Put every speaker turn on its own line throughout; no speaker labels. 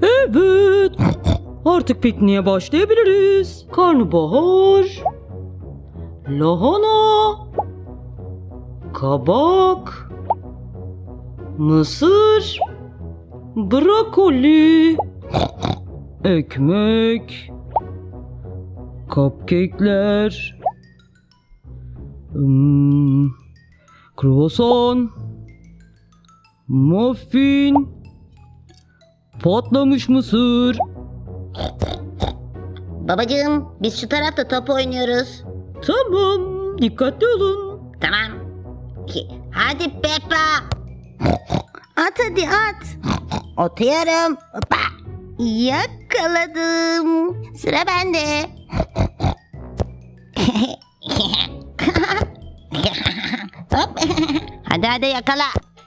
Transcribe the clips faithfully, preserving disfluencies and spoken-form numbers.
Evet. Artık pikniğe başlayabiliriz. Karnabahar, lahana, kabak, mısır, brokoli, ekmek, cupcake'ler, hmm, kruvasan, muffin, patlamış mısır.
Babacığım, biz şu tarafta top oynuyoruz.
Tamam, dikkatli olun.
Tamam. Hadi Peppa. At hadi at. Atıyorum. Hoppa. Yakaladım. Sıra bende. Hop. Hadi hadi yakala.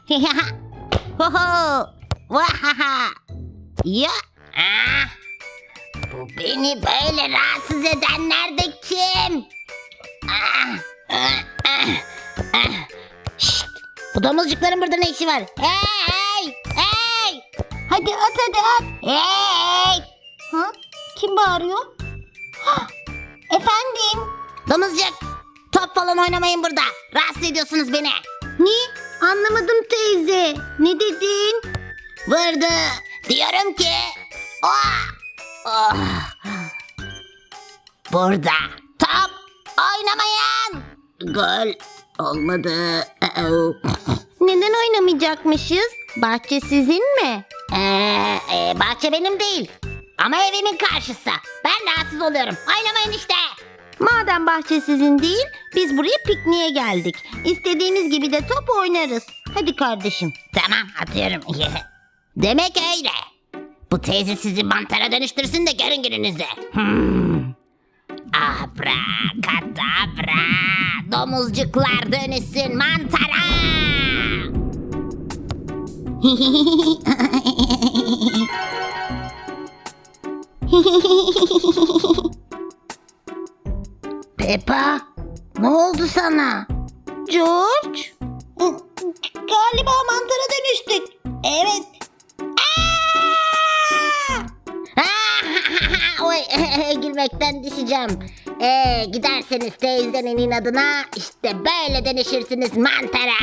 Hoho. Vahaha. Ya. Ah. Bu beni böyle rahatsız edenler de kim? Ah, ah, ah, ah. Şşt, bu domuzcukların burada ne işi var? Hey, hey! Hadi at hadi at. Hey! Ha? Kim bağırıyor? Ha, efendim? Domuzcuk, top falan oynamayın burada. Rahatsız ediyorsunuz beni. Ne? Anlamadım teyze. Ne dedin? Vurdu. Diyorum ki... Oh! Oh. Burada top oynamayın. Gol olmadı. Uh-oh. Neden oynamayacakmışız? Bahçe sizin mi? Ee, e, bahçe benim değil. Ama evimin karşısı. Ben rahatsız oluyorum. Oynamayın işte. Madem bahçe sizin değil, biz buraya pikniğe geldik. İstediğiniz gibi de top oynarız. Hadi kardeşim. Tamam, atıyorum. Demek öyle. Bu teyze sizi mantara dönüştürsün de görün gününüzü. Hmm. Abrakadabra. Domuzcuklar dönüşsün mantara. Peppa, ne oldu sana? George? Galiba mantara dönüştük. Evet. Oy, gülmekten düşeceğim. Ee, giderseniz teyzenin inadına işte böyle dönüşürsünüz mantara.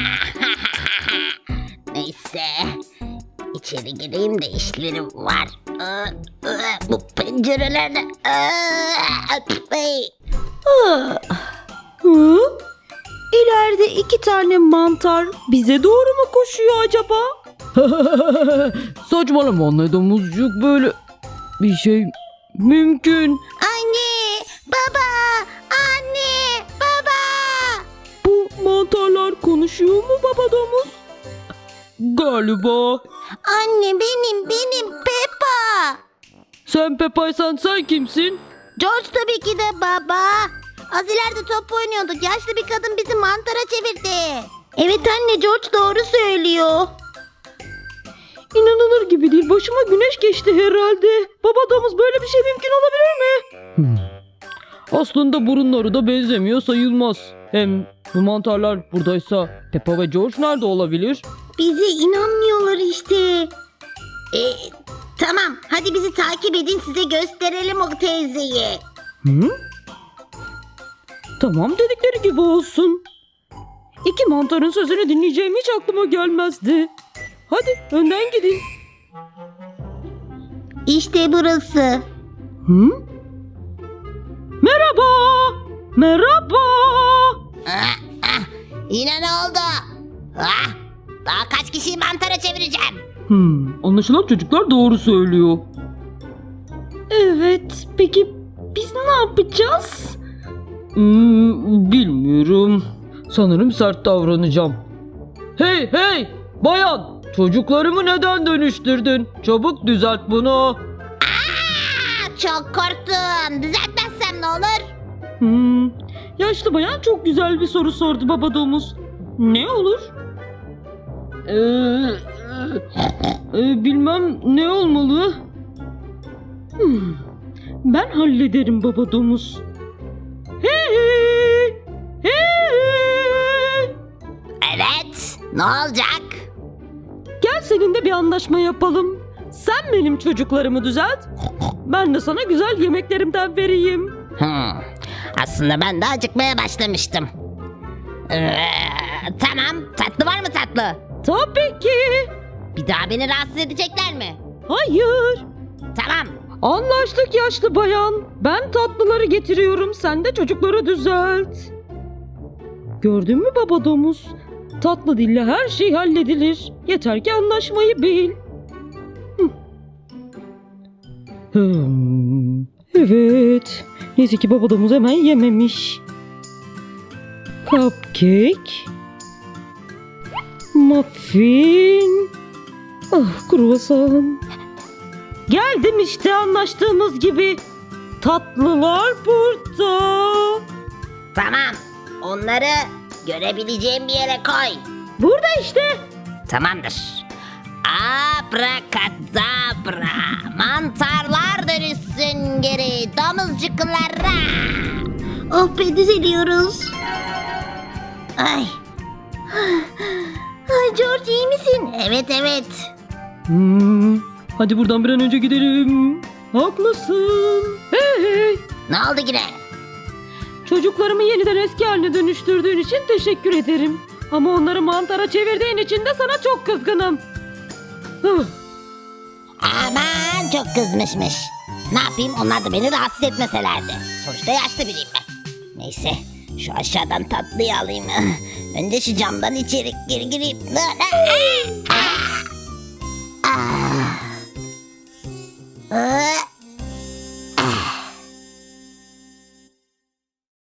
Neyse. İçeri gireyim de işlerim var. Bu pencerelerde...
Hı? İleride iki tane mantar bize doğru mu koşuyor acaba? Saçmalama anne, domuzcuk, böyle bir şey mümkün.
Anne, baba, anne, baba.
Bu mantarlar konuşuyor mu baba domuz? Galiba.
Anne benim, benim Peppa.
Sen Peppa'ysan sen kimsin?
George tabii ki de baba. Az ileride top oynuyorduk. Yaşlı bir kadın bizi mantara çevirdi. Evet anne, George doğru söylüyor.
İnanılır gibi değil. Başıma güneş geçti herhalde. Baba domuz, böyle bir şey mümkün olabilir mi? Hmm. Aslında burunları da benzemiyor sayılmaz. Hem bu mantarlar buradaysa Peppa ve George nerede olabilir?
Bize inanmıyorlar işte. E, tamam, hadi bizi takip edin, size gösterelim o teyzeyi.
Hı? Tamam, dedikleri gibi olsun. İki mantarın sözünü dinleyeceğim hiç aklıma gelmezdi. Hadi önden gidin.
İşte burası.
Hı? Merhaba. Merhaba.
Ah, ah, yine ne oldu? Ah, daha kaç kişiyi mantara çevireceğim?
Hmm, anlaşılan çocuklar doğru söylüyor. Evet, peki biz ne yapacağız? Hmm, bilmiyorum. Sanırım sert davranacağım. Hey hey bayan, çocuklarımı neden dönüştürdün? Çabuk düzelt bunu.
Aa, çok korktum. Düzeltmezsem ne olur?
Hmm, yaşlı bayan çok güzel bir soru sordu baba domuz. Ne olur? Ee, e, bilmem ne olmalı. Hmm, ben hallederim baba domuz. Hey, hey.
Evet, ne olacak?
Gel seninle bir anlaşma yapalım. Sen benim çocuklarımı düzelt. Ben de sana güzel yemeklerimden vereyim.
Hmm. Aslında ben de acıkmaya başlamıştım. Ee, tamam, tatlı var mı tatlı?
Tabii ki.
Bir daha beni rahatsız edecekler mi?
Hayır.
Tamam.
Anlaştık yaşlı bayan. Ben tatlıları getiriyorum. Sen de çocukları düzelt. Gördün mü baba domuz? Tatlı dille her şey halledilir. Yeter ki anlaşmayı bil. Hı. Hmm, evet. Neyse ki baba domuz hemen yememiş. Cupcake. Muffin. Ah kruvasan. Geldim işte anlaştığımız gibi. Tatlılar burada.
Tamam. Onları görebileceğim bir yere koy.
Burada işte.
Tamamdır. Abrakadabra. Mantarlar dönüşsün geri domuzcuklara. Oh be, düzeliyoruz. Ay. Ay George, iyi misin? Evet evet.
Hmm, hadi buradan bir an önce gidelim. Haklısın. Hey hey.
Ne oldu yine?
Çocuklarımı yeniden eski haline dönüştürdüğün için teşekkür ederim. Ama onları mantara çevirdiğin için de sana çok kızgınım. Huh.
Aman, çok kızmışmış. Ne yapayım, onlar da beni rahatsız etmeselerdi. Sonuçta yaşlı biriyim ben. Neyse, şu aşağıdan tatlıyı alayım. Önce şu camdan içeri gir gireyim. Ah! Ah!